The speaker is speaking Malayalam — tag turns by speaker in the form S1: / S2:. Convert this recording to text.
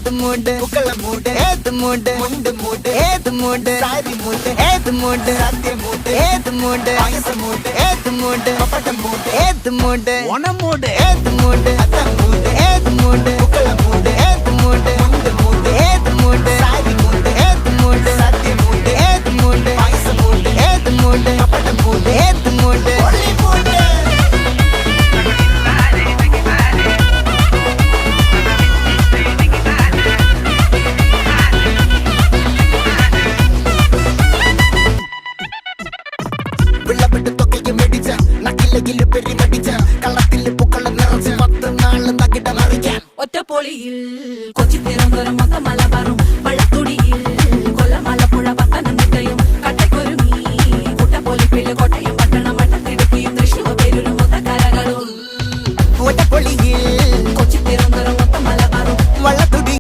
S1: ഏത് മൂട് പുക്കള മൂട് ഏത് മൂട് മുണ്ട് മൂട് ഏത് മൂട് സാരി മൂട് ഏത് മൂട് സദ്യ മൂട് ഏത് മൂട് പായസ മൂട് ഏത് മൂട് പപ്പടം മൂട് ഏത് മൂട് ഓണം മൂട് ഏത് മൂട് അത്തം മൂട് ഏത് മൂട് പുക്കള മൂട് ഏത് മൂട് മുണ്ട് മൂട് ഏത് മൂട് സാരി മൂട് ഏത് മൂട് സദ്യ മൂട് ഏത് മൂട് പായസ മൂട് ഏത് മൂട് പപ്പടം മൂട് ഏത് മൂട് ഒളി മൂട് വിളവെട്ട് തൊക്കയും വെടിച്ച നക്കിലകില് പെരുമടിച്ച കള്ളത്തില് പൂക്കള നിറച്ച് 10 നാള് നകിട മറിക്കാൻ
S2: ഒറ്റപ്പൊളിയിൽ കൊച്ചി തിരുവനന്തപുരം മൊത്തം മലബാറും